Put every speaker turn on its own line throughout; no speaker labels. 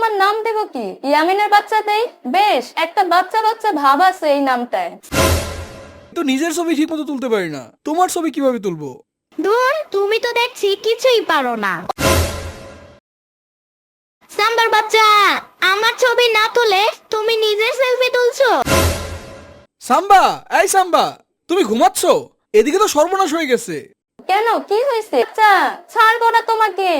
তোমার নাম দেব কি? ইয়ামিনের বাচ্চা দেই? বেশ, একটা বাচ্চা বাচ্চা ভাব আছে এই নামটায়।
তো নিজের ছবি ঠিক মতো তুলতে পারি না, তোমার ছবি কিভাবে তুলবো?
দূর, তুমি তো দেখছি কিছুই পারো না। সাম্বার বাচ্চা, আমার ছবি না তুলে তুমি নিজের সেলফি তুলছো।
সাম্বা, এই সাম্বা, তুমি ঘুমাচ্ছ? এদিকে তো সর্বনাশ হয়ে গেছে।
কেন, কি হয়েছে? আচ্ছা, ছাড়বো না তোমাকে।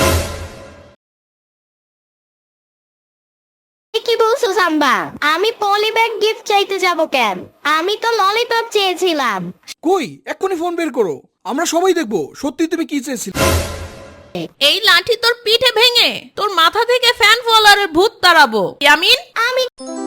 কি বলছো সাম্বা? আমি পলি ব্যাগ গিফট চাইতে যাব কেন? আমি তো ললিপপ চেয়েছিলাম।
কই, এক্ষুনি ফোন বের করো, আমরা সবাই দেখবো সত্যি তুমি কি চেয়েছিলে।
এই লাঠি তোর পিঠে ভেঙে তোর মাথা থেকে ফ্যান ফলোয়ারের ভূত তাড়াবো। ইয়ামিন,
আমি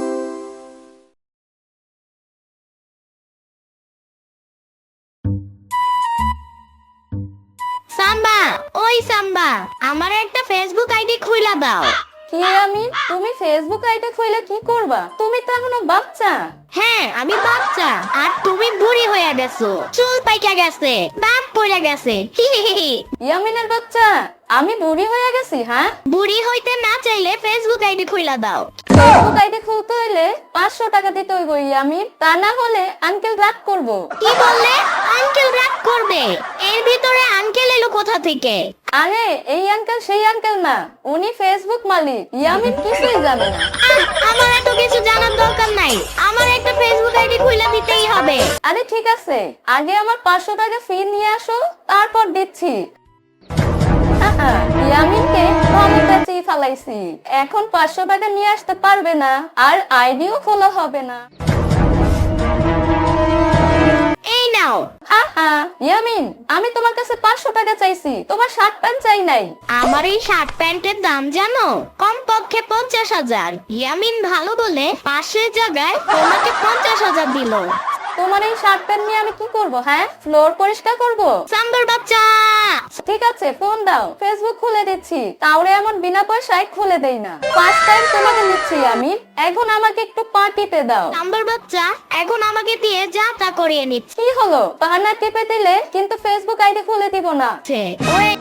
সাম্বা, ওই সাম্বা, আমার একটা ফেসবুক আইডি খুইলা দাও।
কি ইয়ামিন, তুমি ফেসবুক আইডি খুলে কি করবা? তুমি তো এখনো বাচ্চা।
হ্যাঁ, আমি বাচ্চা, আর তুমি বুড়ি হয়ে গেছো। চুল পাইকা গেছে, দাঁত পড়ে গেছে। হি হি হি হি।
ইয়ামিনের বাচ্চা, আমি বুড়ি হয়ে গেছি? হ্যাঁ,
বুড়ি হইতে না চাইলে ফেসবুক আইডি খুইলা দাও।
ফেসবুক আইডি খুলতে হইলে 500 টাকা দিতে হইব ইয়ামিন, তা না হলে আঙ্কেল রাগ করবো।
কি বললে? আঙ্কেল রাগ করবে? এর ভিতরে আঙ্কেল এলো কোথা থেকে?
আরে এই আঙ্কেল সেই আঙ্কেল না, উনি ফেসবুক মালিক। ইয়ামিন কিছুই জানে না।
আমার এত কিছু জানার দরকার নাই, আমার একটা ফেসবুক আইডি খুলে দিতেই হবে।
আরে ঠিক আছে, আগে আমার 500 টাকা ফি নিয়ে আসো, তারপর দিচ্ছি। ইয়ামিনকে ক্ষমতা চেয়ে ফেলাইছি, এখন 500 টাকা নিয়ে আসতে পারবে না, আর আইডিও খোলা হবে না।
এই নাও।
ইয়ামিন, আমি তোমার কাছে 500 টাকা চাইছি, তোমার শার্ট প্যান্ট চাই নাই।
আমার এই শার্ট প্যান্টের দাম জানো? কমপক্ষে 50,000। ইয়ামিন ভালো বলে 500 জায়গায় তোমাকে 50,000 দিল।
তোমার এই শার্ট প্যান্ট নিয়ে আমি কি করব? হ্যাঁ, ফ্লোর পরিষ্কার করব?
সাম্বার বাচ্চা,
ঠিক আছে, ফোন দাও, ফেসবুক খুলে দিচ্ছি। তাওরে এমন বিনা পয়সায় খুলে দেই না। ফার্স্ট টাইম তোমাকে নিচ্ছি আমি, এখন আমাকে একটু পা টিপে দাও।
সাম্বার বাচ্চা, এখন আমাকে দিয়ে যা তা করিয়ে নিচ্ছে।
কি হলো? পা না টিপে দিলে কিন্তু ফেসবুক আইডি খুলে দিব না।
ওই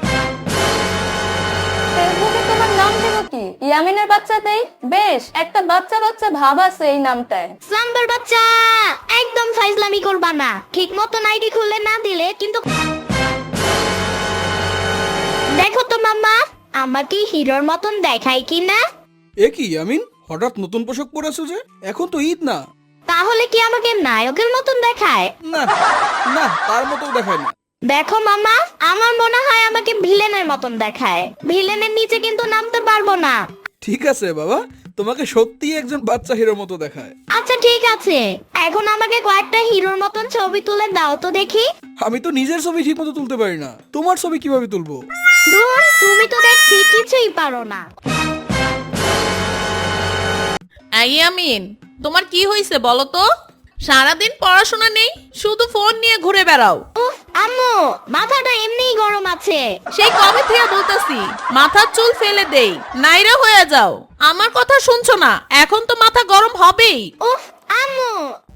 ফেসবুকে তোমার নাম দেব কি? ইয়ামিনের বাচ্চা দেই? বেশ, একটা বাচ্চা বাচ্চা ভাব আছে এই নামটায়।
সাম্বার বাচ্চা, একদম ফাইজলামি করবা না। ঠিক মতন আইডি খুলে না দিলে কিন্তু। দেখো তো মাম্মা, আমাকে হিরোর মতন দেখায় কি না?
এ কি ইয়ামিন, হঠাৎ নতুন পোশাক পরেছো যে? এখন তো ঈদ না।
তাহলে কি আমাকে নায়কের মতন দেখায়?
না না, তার মতো দেখায় না।
দেখো মামা, আমার মনে হয় আমাকে ভিলেনের মতন দেখায়। ভিলেনের নিচে কিন্তু নামতে পারবো না।
ঠিক আছে বাবা, তোমাকে সত্যি একজন বাচ্চা হিরোর মতো দেখায়।
আচ্ছা ঠিক আছে, এখন আমাকে কয়েকটা হিরোর মতন ছবি তুলে দাও তো দেখি।
আমি তো নিজের ছবি ঠিক মতো তুলতে পারি না, তোমার ছবি কিভাবে তুলবো?
দূর, তুমি তো দেখছি কিছুই পারো না।
ইয়ামিন, তোমার কি হয়েছে বলো তো? সারাদিন পড়াশোনা নেই, শুধু ফোন নিয়ে ঘুরে বেড়াও।
উফ আম্মু, মাথাটা এমনিই গরম আছে।
সেই কবে থেকে বলতেছি মাথার চুল ফেলে দেই, নাইরা হয়ে যাও। আমার কথা শুনছো না? এখন তো মাথা গরম হবেই।
উফ আম্মু।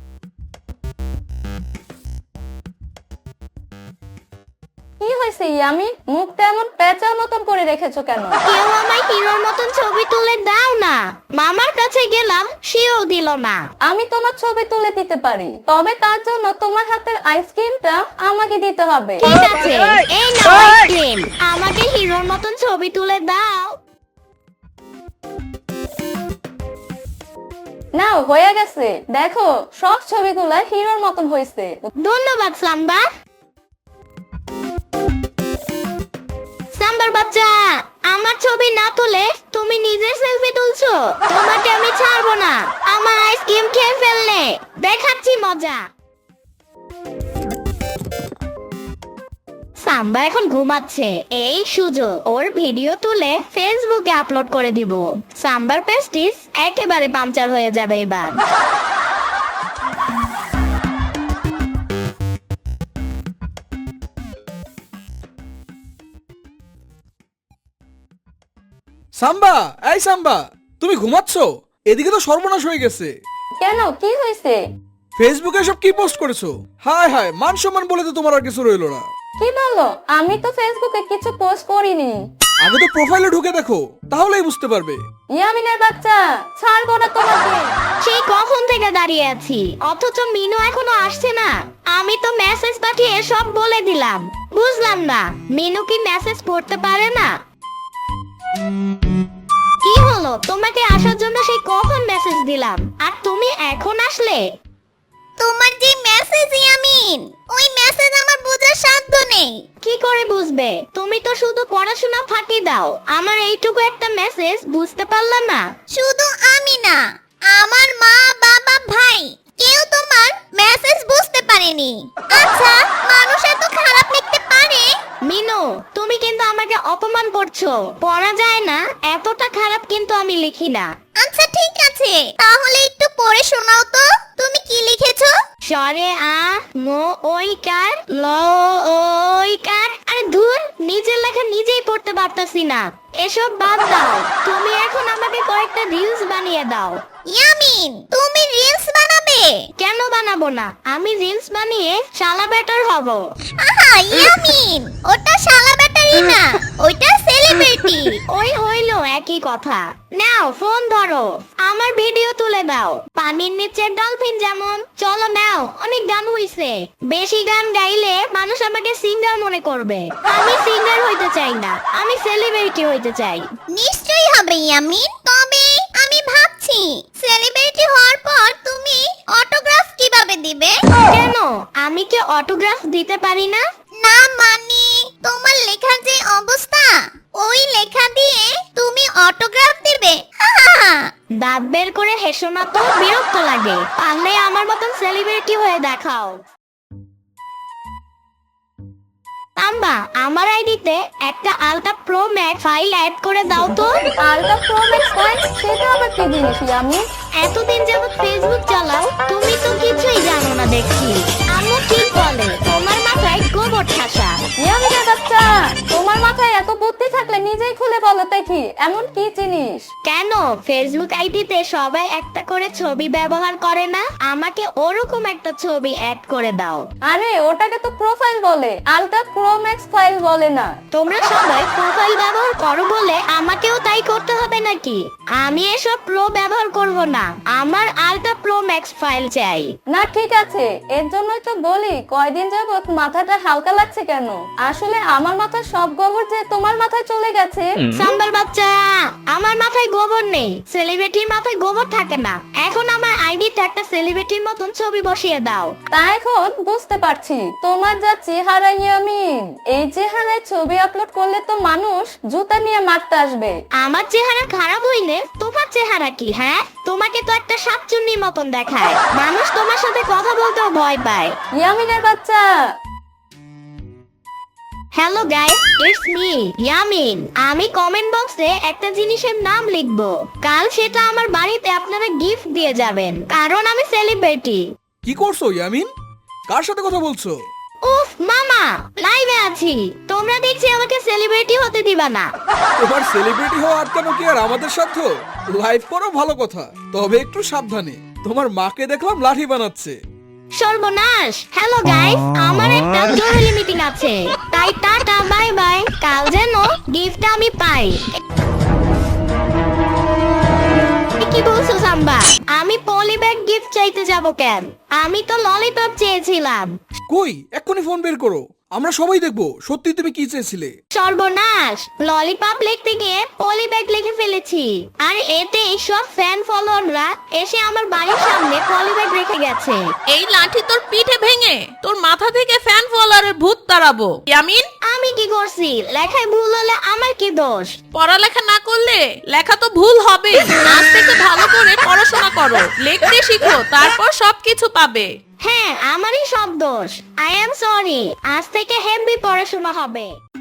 কি হয়েছে ইয়ামিন, মুখটা এমন পেঁচার মতন করে রেখেছো কেন?
কেউ আমায় হিরোর মতন ছবি তুলে দাও না। মামার কাছে গেলাম, সেও দিল না।
আমি তোমার ছবি তুলে দিতে পারি, তবে তার জন্য তোমার হাতের আইসক্রিমটা আমাকে দিতে হবে।
ঠিক আছে, এই নাও আইসক্রিম। আমাকে হিরোর মতন ছবি তুলে দাও।
নাও, হয়ে গেছে। দেখো, সব ছবিগুলা হিরোর মতন হয়েছে।
ধন্যবাদ সাম্বা। সাম্বার বাচ্চা, আমার ছবি না তুলে তুমি নিজের সেলফি তুলছো। তোমাকে আমি ছাড়বো না। আমার আইসক্রিম খেয়ে ফেললে দেখাচ্ছি মজা। সাম্বা এখন ঘুমাচ্ছে, এই সুযোগ ওর ভিডিও তুলে ফেসবুকে আপলোড করে দিব। সাম্বার পেস্টিস একেবারে পাংচার হয়ে যাবে এবার।
সাম্বা, এই সাম্বা, তুমি ঘুমাচ্ছ? এদিকে তো সর্বনাশ হয়ে গেছে।
কেন, কি হয়েছে?
ফেসবুকে সব কি পোস্ট করেছো? হায় হায়, মান সম্মান বলে তো তোমার আর কিছু রইলো না।
কি বলো? আমি তো ফেসবুকে কিছু পোস্ট করিনি।
আগে তো প্রোফাইলে ঢুকে দেখো, তাহলেই বুঝতে পারবে।
ইয়ামিনের বাচ্চা, ছাড়বো না তোমাকে।
সেই কখন থেকে দাঁড়িয়ে আছি, অথচ মিনু এখনো আসছে না। আমি তো মেসেজ পাঠিয়ে সব বলে দিলাম, বুঝলাম না মিনু কি মেসেজ পড়তে পারে না? কি হলো, তোমাকে আসার জন্য সেই কখন মেসেজ দিলাম, আর তুমি এখন আসলে? তোমার যে মেসেজ ইয়ামিন, ওই মেসেজ আমার বোঝার সাধ্য নেই। কি করে বুঝবে? তুমি তো শুধু পড়াশোনা ফাঁকি দাও, আমার এইটুকু একটা মেসেজ বুঝতে পারলা না? শুধু আমি না, আমার মা, বাবা, ভাই কেউ তোমার মেসেজ বুঝতে পারেনি। আচ্ছা, মানুষ এত খারাপ লিখতে পারে? মিনু, তুমি কিন্তু আমাকে অপমান করছো। পড়া যায় না, এতটা খারাপ কিন্তু আমি লিখি না। আচ্ছা ঠিক আছে, তাহলে একটু পড়ে শোনাও তো, তুমি কি লিখেছো? সরে আ মো ওই কার ল ওই কার। আরে ধুর, নিজের লেখা নিজেই পড়তে পারতাছি না। এসব বাদ দাও, তুমি এখন আমাকে কয়েকটা রিলস বানিয়ে দাও। ইয়ামিন, তুমি রিলস বানাবে? কেন বানাবো না, আমি রিলস বানিয়ে শালা ব্যাটার হব। আহা ইয়ামিন, ওটা শালা ব্যাটারই না, ওইটা সেলিব্রিটি। ওই হইলো একই কথা। নাও ফোন ধরো, আমার ভিডিও তুলে দাও। পানির নিচের ডলফিন যেমন। চলো নাও, অনেক গান হইছে। বেশি গান গাইলে মানুষ আমাকে সিঙ্গার মনে করবে। আমি সিঙ্গার হইতে চাই না, আমি সেলিব্রিটি হইতে চাই। নিশ্চয়ই হবে ইয়ামিন, তবে আমি ভাবছি সেলিব্রিটি হওয়ার পর তুমি অটোগ্রাফ কিভাবে দিবে? কেন, আমি কি অটোগ্রাফ দিতে পারি না? না মানে, তোমার লেখার যে অবস্থা, ওই লেখা দিয়ে তুমি অটোগ্রাফ দিবে? দাঁত বের করে হেসো না তো, বিরক্ত লাগে। পারলে আমার মতন সেলিব্রিটি হয়ে দেখাও। আম্বা, আমার আইডিতে একটা ultra pro max file add করে দাও তো।
আলট্রা প্রো ম্যাক্স ফাইল, সেটা আবার কি জিনিস ইয়ামিন?
এতদিন যাবত ফেসবুক চালাও, তুমি তো কিছুই জানো না দেখছি। আম্মু ঠিক বলে, তোমার মাথায় গোবর ঠাসা।
ইয়ামিনের বাচ্চা, তোমার মাথায় এত বুদ্ধি থাকলে নিজেই খুলে বলো দেখি, এমন কি জিনিস?
কেন, ফেসবুক আইডিতে সবাই একটা করে ছবি ব্যবহার করে না? আমাকে ওরকম একটা ছবি অ্যাড করে দাও।
আরে ওটাকে তো প্রোফাইল বলে, আলট্রা প্রো ম্যাক্স ফাইল বলে না।
তোমরা সবাই প্রোফাইল ব্যবহার করো বলে আমাকেও তাই করতে হবে নাকি? আমি এসব প্রো ব্যবহার করব না, আমার আলট্রা প্রো ম্যাক্স ফাইল চাই।
না ঠিক আছে, এর জন্যই তো বলি কয়দিন যাবত মাথাটা হালকা লাগছে কেন। আসলে আমার মাথার সব গোবর যে তোমার মাথায় চলে গেছে।
সাম্বার বাচ্চা, আমার মাথায় গোবর নেই, সেলিব্রিটির মাথায় গোবর থাকে না। এখন আমার আইডিতে একটা সেলিব্রিটির মতন ছবি বসিয়ে দাও।
তা এখন বুঝতে পারছি তোমার যা চেহারা ইয়ামিন, এই চেহারায় ছবি আপলোড করলে তো মানুষ জুতা নিয়ে মারতে আসবে।
আমার চেহারা খারাপ হইলে তোমার চেহারা কি? হ্যাঁ, তোমাকে তো একটা শাকচুন্নির মতন দেখায়, মানুষ তোমার সাথে কথা বলতেও ভয় পায়।
ইয়ামিনের বাচ্চা।
Hello guys, it's me Yamin. আমি কমেন্ট বক্সে একটা জিনিসের নাম লিখবো, কাল সেটা আমার বাড়িতে আপনারা গিফট দিয়ে যাবেন, কারণ আমি সেলিব্রিটি।
কি করছো ইয়ামিন? কার সাথে কথা বলছো?
উফ মামা, লাইভে আছি, তোমরা দেখছি আমাকে সেলিব্রিটি হতে দিবা না।
তোমার সেলিব্রিটি হওয়া আটকানো কি আর আমাদের সাথে? লাইভ করো ভালো কথা, তবে একটু সাবধানে। তোমার মাকে দেখলাম লাঠি বানাচ্ছে।
সর্বনাশ। হ্যালো গাইস, আমার একটা জরুরি মিটিং আছে, তাই টাটা বাই বাই। কাল যেন গিফট আমি পাই। কি বলছো সাম্বা? আমি পলি ব্যাগ গিফট চাইতে যাব কেন? আমি তো ললিপপ চেয়েছিলাম।
কই, এক্ষুনি ফোন বের করো, আমরা সবাই দেখবো সত্যি তুমি কি চেয়েছিলে।
সর্বনাশ, ললিপপ লিখতে গিয়ে পলি ব্যাগ লিখে ফেলেছি, আর এতে সব ফ্যান ফলোয়াররা এসে আমার বাড়ির সামনে পলি ব্যাগ রেখে গেছে।
এই লাঠি তোর পিঠে ভেঙে তোর মাথা থেকে ফ্যান ফলোয়ারের ভূত তাড়াবো। ইয়ামিন,
আমি কি করছি? লেখায় ভুল হলে আমার কি দোষ?
পড়ালেখা না করলে লেখা তো ভুল হবে। আজ থেকে ভালো করে পড়াশোনা করো, লিখতে শিখো, তারপর সবকিছু পাবে।
হ্যাঁ, আমারই সব দোষ। I am sorry. আজ থেকে হেভি পড়াশোনা হবে।